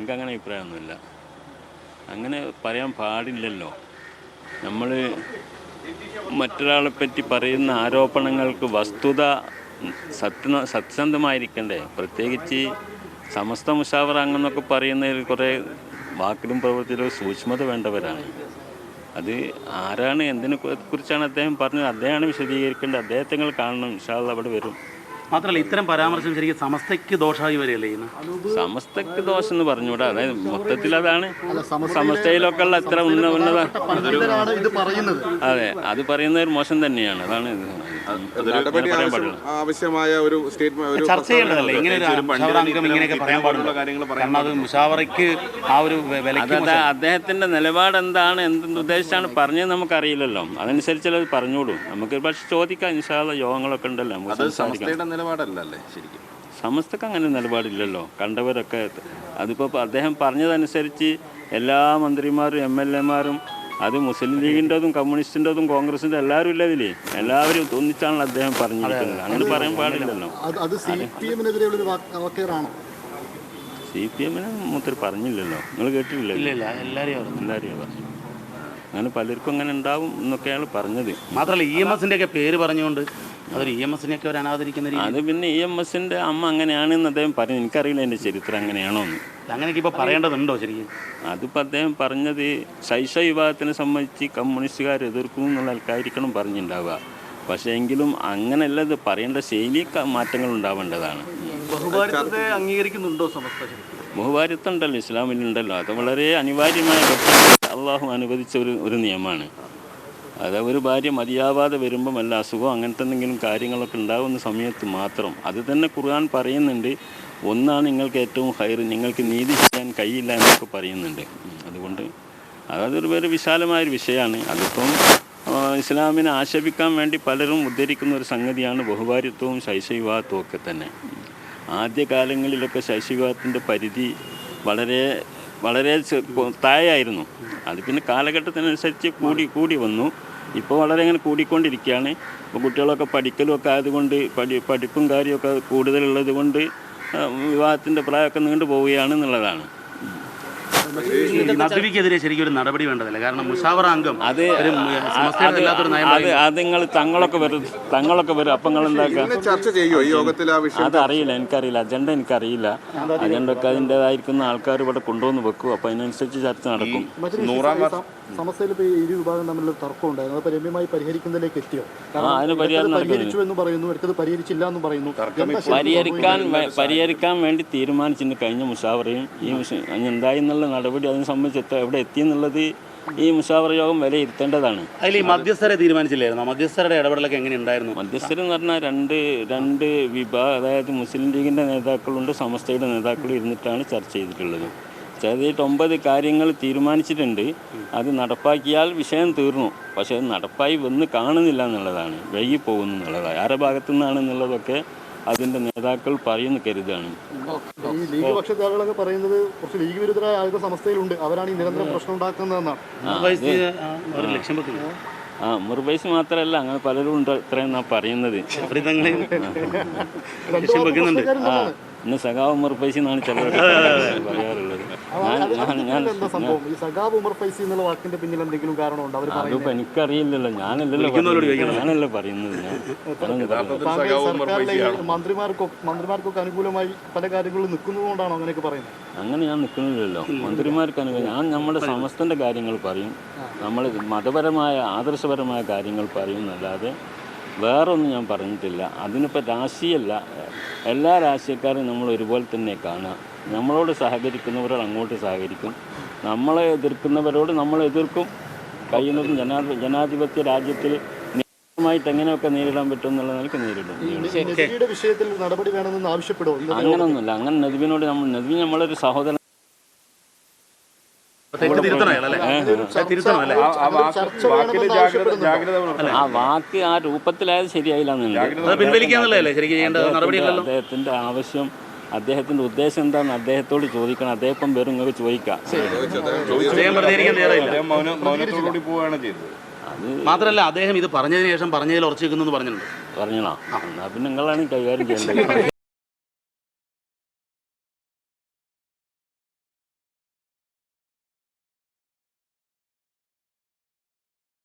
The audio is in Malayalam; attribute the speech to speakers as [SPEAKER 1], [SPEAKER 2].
[SPEAKER 1] എനിക്കങ്ങനെ അഭിപ്രായമൊന്നുമില്ല. അങ്ങനെ പറയാൻ പാടില്ലല്ലോ. നമ്മൾ മറ്റൊരാളെ പറ്റി പറയുന്ന ആരോപണങ്ങൾക്ക് വസ്തുത സത്യസന്ധമായിരിക്കണ്ടേ? പ്രത്യേകിച്ച് സമസ്ത മുശാവറ അങ്ങനെന്നൊക്കെ പറയുന്നതിൽ കുറേ വാക്കിലും പ്രവൃത്തിയിലും സൂക്ഷ്മത വേണ്ടവരാണ്. അത് ആരാണ്, എന്തിനെ കുറിച്ചാണ് അദ്ദേഹം പറഞ്ഞത്, അദ്ദേഹമാണ് വിശദീകരിക്കേണ്ടത്. അദ്ദേഹത്തെ നിങ്ങൾ കാണണം. ഇൻഷാ അല്ലാഹ് അവിടെ വരും.
[SPEAKER 2] മാത്രമല്ല ഇത്തരം പരാമർശം ശരിക്കും സമസ്തയ്ക്ക് ദോഷമായി വരികയല്ലേ ചെയ്യുന്നത്?
[SPEAKER 1] സമസ്തക്ക് ദോഷം എന്ന് പറഞ്ഞുകൂടാ. അതായത് മൊത്തത്തിൽ അതാണ് സമസ്തയിലൊക്കെ ഉള്ള എത്ര ഉന്നത അതെ, അത് പറയുന്ന ഒരു മോശം തന്നെയാണ്. അതാണ്
[SPEAKER 3] ആവശ്യമായ ഒരു സ്റ്റേറ്റ്മെന്റ്
[SPEAKER 2] ചർച്ച ചെയ്യേണ്ടതല്ലേ? ഇങ്ങനെ ഒരു അംഗം ഇങ്ങനെയൊക്കെ പറയാൻ പാടുള്ള കാര്യങ്ങൾ കാരണം അത് മുശാവറയ്ക്ക് ആ ഒരു
[SPEAKER 1] അതായത് അദ്ദേഹത്തിന്റെ നിലപാട് എന്താണ്, എന്തുദ്ദേശിച്ചാണ് പറഞ്ഞത് നമുക്കറിയില്ലല്ലോ. അതനുസരിച്ചല്ലേ അത് പറഞ്ഞോളൂ. നമുക്ക് പക്ഷെ ചോദിക്കാം. ഇൻഷാ അല്ലാഹ് യോഗങ്ങളൊക്കെ ഉണ്ടല്ലോ, നമുക്ക് സംസാരിക്കാം.
[SPEAKER 3] നിലപാടല്ലേ ശരിക്കും?
[SPEAKER 1] സമസ്തക്ക് അങ്ങനെ നിലപാടില്ലല്ലോ. കണ്ടവരൊക്കെ അതിപ്പോൾ അദ്ദേഹം പറഞ്ഞതനുസരിച്ച് എല്ലാ മന്ത്രിമാരും എം എൽ എമാരും, അത് മുസ്ലിം ലീഗിൻ്റെതും കമ്മ്യൂണിസ്റ്റിൻ്റെതും കോൺഗ്രസിൻ്റെ എല്ലാവരും ഇല്ല ഇതിൽ, എല്ലാവരും ഒന്നിച്ചാണല്ലോ അദ്ദേഹം പറഞ്ഞിരിക്കുന്നത്. അങ്ങനെ പറയാൻ പാടില്ലല്ലോ. CPM മൂപ്പര് പറഞ്ഞില്ലല്ലോ. നിങ്ങൾ കേട്ടിട്ടില്ലല്ലോ? എല്ലാവരും അങ്ങനെ പലർക്കും അങ്ങനെ ഉണ്ടാവും എന്നൊക്കെയാണ് പറഞ്ഞത്.
[SPEAKER 2] മാത്രമല്ല EMS ഒക്കെ പേര് പറഞ്ഞുകൊണ്ട് അതൊരു EMS ഒരു അനാദരിക്കുന്ന രീതി.
[SPEAKER 1] അത് പിന്നെ EMS അമ്മ അങ്ങനെയാണെന്ന് അദ്ദേഹം പറഞ്ഞു. എനിക്കറിയില്ല എൻ്റെ ചരിത്രം അങ്ങനെയാണോ എന്ന്.
[SPEAKER 2] അങ്ങനെയൊക്കെ ഇപ്പോൾ പറയേണ്ടതുണ്ടോ ശരിക്കും?
[SPEAKER 1] അതിപ്പോൾ അദ്ദേഹം പറഞ്ഞത് ശൈശ വിഭാഗത്തിനെ സംബന്ധിച്ച് കമ്മ്യൂണിസ്റ്റുകാർ എതിർക്കും എന്നുള്ള ആൾക്കായിരിക്കണം പറഞ്ഞിട്ടുണ്ടാവുക. പക്ഷേ എങ്കിലും അങ്ങനെയല്ല, ഇത് പറയേണ്ട ശൈലി മാറ്റങ്ങൾ ഉണ്ടാവേണ്ടതാണ്.
[SPEAKER 2] ബഹുഭാരിത്വത്തെ അംഗീകരിക്കുന്നുണ്ടോ സമസ്ത?
[SPEAKER 1] ബഹുഭാരിത്വം ഉണ്ടല്ലോ, ഇസ്ലാമിലുണ്ടല്ലോ. അത് വളരെ അനിവാര്യമായ അള്ളാഹു അനുവദിച്ച ഒരു നിയമമാണ്. അത് ഒരു ഭാര്യ മതിയാവാതെ വരുമ്പം വല്ല അസുഖം അങ്ങനത്തെ എന്തെങ്കിലും കാര്യങ്ങളൊക്കെ ഉണ്ടാകുന്ന സമയത്ത് മാത്രം. അത് തന്നെ ഖുർആൻ പറയുന്നുണ്ട്. ഒന്നാണ് നിങ്ങൾക്ക് ഏറ്റവും ഹൈർ, നിങ്ങൾക്ക് നീതി ചെയ്യാൻ കഴിയില്ല എന്നൊക്കെ പറയുന്നുണ്ട്. അതുകൊണ്ട് അതൊരു വേറെ വിശാലമായൊരു വിഷയമാണ്. അതിപ്പം ഇസ്ലാമിനെ ആക്ഷേപിക്കാൻ വേണ്ടി പലരും ഉദ്ധരിക്കുന്ന ഒരു സംഗതിയാണ് ബഹുഭാര്യത്വവും ശൈശവിവാഹത്വവും ഒക്കെ തന്നെ. ആദ്യകാലങ്ങളിലൊക്കെ ശൈശവിവാഹത്തിൻ്റെ പരിധി വളരെ വളരെ താഴെയായിരുന്നു. അത് പിന്നെ കാലഘട്ടത്തിനനുസരിച്ച് കൂടി വന്നു. ഇപ്പോൾ വളരെ അങ്ങനെ കൂടിക്കൊണ്ടിരിക്കുകയാണ്. ഇപ്പോൾ കുട്ടികളൊക്കെ പഠിക്കലും ഒക്കെ ആയതുകൊണ്ട് പഠിപ്പും കാര്യമൊക്കെ കൂടുതലുള്ളത് കൊണ്ട് വിവാഹത്തിൻ്റെ പ്രായമൊക്കെ നീണ്ടു പോവുകയാണ് എന്നുള്ളതാണ്.
[SPEAKER 2] നദ്വിക്കെതിരെ ശരിക്കും ഒരു നടപടി വേണ്ടതല്ല. കാരണം മുശാവറ അംഗം
[SPEAKER 1] അത് നിങ്ങൾ തങ്ങളൊക്കെ വരും അപ്പം നിങ്ങൾ എന്താക്കുക? അതറിയില്ല, എനിക്കറിയില്ല. അജണ്ട എനിക്കറിയില്ല. അജണ്ട ഒക്കെ അതിൻ്റെതായിരിക്കുന്ന ആൾക്കാർ ഇവിടെ കൊണ്ടുവന്ന് വെക്കും. അപ്പം അതിനനുസരിച്ച് ചർച്ച നടക്കും.
[SPEAKER 4] സമസ്തയിൽ ഇപ്പോൾ ഇരു വിഭാഗം തമ്മിലൊരു തർക്കം ഉണ്ടായിരുന്നു. അപ്പോൾ രമ്യമായി പരിഹരിക്കുന്നതിലേക്ക് എത്തിയോ?
[SPEAKER 1] അതിന്
[SPEAKER 4] പരിഹരിച്ചു എന്ന് പറയുന്നു, അടുത്തത് പരിഹരിച്ചില്ല എന്ന് പറയുന്നു.
[SPEAKER 1] പരിഹരിക്കാൻ വേണ്ടി തീരുമാനിച്ചിട്ടുണ്ട് കഴിഞ്ഞ മുശാവറയും. ഈ എന്തായി എന്നുള്ള നടപടി അതിനെ സംബന്ധിച്ച് എവിടെ എത്തിയെന്നുള്ളത് ഈ മുശാവറ യോഗം വിലയിരുത്തേണ്ടതാണ്.
[SPEAKER 2] അതിൽ ഈ മധ്യസ്ഥരെ തീരുമാനിച്ചില്ലായിരുന്നു? മധ്യസ്ഥരുടെ ഇടപെടലൊക്കെ എങ്ങനെ ഉണ്ടായിരുന്നു?
[SPEAKER 1] മധ്യസ്ഥർ എന്ന് പറഞ്ഞാൽ രണ്ട് വിഭാഗം, അതായത് മുസ്ലിം ലീഗിൻ്റെ നേതാക്കളുണ്ട്, സമസ്തയുടെ നേതാക്കളും ഇരുന്നിട്ടാണ് ചർച്ച ചെയ്തിട്ടുള്ളത്. ചെയ്തിട്ട് 9 കാര്യങ്ങൾ തീരുമാനിച്ചിട്ടുണ്ട്. അത് നടപ്പാക്കിയാൽ വിഷയം തീർന്നു. പക്ഷേ അത് നടപ്പായി വന്ന് കാണുന്നില്ല എന്നുള്ളതാണ്, വൈകി പോകുന്നു എന്നുള്ളതാണ്. ആരുടെ ഭാഗത്തു നിന്നാണെന്നുള്ളതൊക്കെ അതിൻ്റെ നേതാക്കൾ പറയുന്നു കരുതാണ്.
[SPEAKER 4] ഈ ലീഗ് പക്ഷത്തെ ആളുകളൊക്കെ പറയുന്നത് കുറച്ച് ലീഗ് വിരുദ്ധരായ ആളുകൾ സമസ്തയിലുണ്ട്, അവരാണ് ഈ നിരന്തരം പ്രശ്നം ഉണ്ടാക്കുന്നതെന്നാണ്.
[SPEAKER 1] മുർബൈസ് മാത്രമല്ല, അങ്ങനെ പലരും ഉണ്ട് ഇത്രയും പറയുന്നത്. ഇന്ന് സഖാവ് ഉമർ ഫൈസി എന്നാണ് ചിലർ പറയാറുള്ളത്. അതിപ്പോൾ എനിക്കറിയില്ലല്ലോ, ഞാനല്ലേ പറയുന്നത്.
[SPEAKER 4] മന്ത്രിമാർക്കൊക്കെ അനുകൂലമായി പല കാര്യങ്ങളും നിൽക്കുന്നതുകൊണ്ടാണോ അങ്ങനെയൊക്കെ പറയുന്നത്?
[SPEAKER 1] അങ്ങനെ ഞാൻ നിൽക്കുന്നില്ലല്ലോ. മന്ത്രിമാർക്ക് അനുകൂലം ഞാൻ നമ്മുടെ സമസ്തൻ്റെ കാര്യങ്ങൾ പറയും, നമ്മൾ മതപരമായ ആദർശപരമായ കാര്യങ്ങൾ പറയും എന്നല്ലാതെ വേറൊന്നും ഞാൻ പറഞ്ഞിട്ടില്ല. അതിനിപ്പോൾ രാഷ്ട്രീയമല്ല, എല്ലാ രാഷ്ട്രീയക്കാരും നമ്മൾ ഒരുപോലെ തന്നെ കാണുക. നമ്മളോട് സഹകരിക്കുന്നവരോട് അങ്ങോട്ട് സഹകരിക്കും, നമ്മളെ എതിർക്കുന്നവരോട് നമ്മൾ എതിർക്കും. കഴിയുന്നതും ജനാധിപത്യ രാജ്യത്തിൽ നിയമമായിട്ട് എങ്ങനെയൊക്കെ നേരിടാൻ പറ്റും എന്നുള്ള നിലയ്ക്ക് നേരിടും. അങ്ങനൊന്നുമില്ല. അങ്ങനെ നദ്വിനോട് നദ്വി നമ്മളൊരു സഹോദരൻ. ആ വാക്ക് ആ രൂപത്തിലായത് ശരിയായില്ല. അദ്ദേഹത്തിന്റെ ആവശ്യം, അദ്ദേഹത്തിന്റെ ഉദ്ദേശം എന്താണെന്ന് അദ്ദേഹത്തോട് ചോദിക്കണം. അദ്ദേഹം വെറും നിങ്ങൾക്ക് ചോദിക്കാം.
[SPEAKER 2] മാത്രമല്ല അദ്ദേഹം ഇത് പറഞ്ഞതിന് ശേഷം പറഞ്ഞതിൽ ഉറച്ചു വെക്കുന്നു പറഞ്ഞിട്ടുണ്ട്.
[SPEAKER 1] പറഞ്ഞോ? എന്നാ പിന്നെ നിങ്ങളാണ് കൈകാര്യം ചെയ്യേണ്ടത്.